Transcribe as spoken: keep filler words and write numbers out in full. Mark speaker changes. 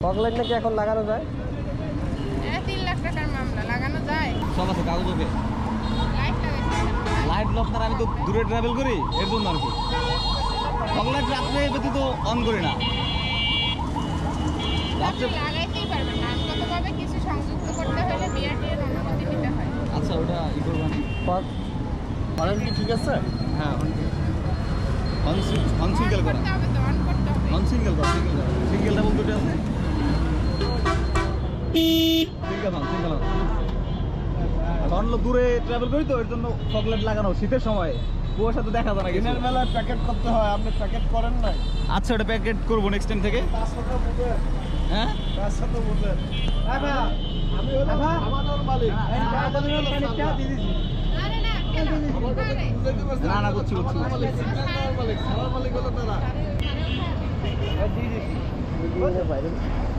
Speaker 1: Fog light নাকি এখন লাগানো যায়?
Speaker 2: হ্যাঁ, তিন লাখ টাকার মামলা লাগানো যায়।
Speaker 3: সব আছে কাগজ ওকে।
Speaker 2: লাইট লাগাইছে।
Speaker 3: লাইট লক না, আমি তো দূরে ট্রাভেল করি এর জন্য আর কি। ফগলাইট রাত্রে ব্যতীত অন করি না।
Speaker 2: আপনি লাগাইতেই পারবেন না, আইনগতভাবে কিছু সংযুক্ত করতে হলে বিআরটি এর অনুমতি নিতে হয়।
Speaker 3: আচ্ছা, ওটা ই করবো না।
Speaker 1: ফগ
Speaker 4: অনেক কি ঠিক আছে?
Speaker 3: হ্যাঁ, অন অন সিঙ্গেল
Speaker 2: অন
Speaker 3: করা,
Speaker 2: করতে হবে তো, অন করতে হবে।
Speaker 3: অন সিঙ্গেল করা, সিঙ্গেল করা, সিঙ্গেল ডাবল দুটো আছে। Single on, single on. কারণ হলো দূরে ট্রাভেল করি তো এর জন্য ফগলাইট লাগানো শীতের সময় কুয়াশা তো দেখা যায় না কিছু।
Speaker 4: দিনের বেলায় প্যাকেট করতে হয়, আপনি প্যাকেট করেন নাই?
Speaker 3: আচ্ছা, ওটা প্যাকেট করবো নেক্সট টাইম থেকে।
Speaker 4: তার সাথে বুঝেন,
Speaker 3: হ্যাঁ,
Speaker 4: তার সাথে বুঝেন। আমি হলাম আমাদের মালিক।
Speaker 2: আরে না, কেন? আরে।
Speaker 4: বুঝাইতে পারছেন?
Speaker 3: না, না, বুঝছি, বুঝছি।
Speaker 4: আমাদের মালিক, সিগন্যাল মালিক, সারা মালিক হলো তারা।
Speaker 2: আরে, আরে,
Speaker 1: দিয়ে দিছি।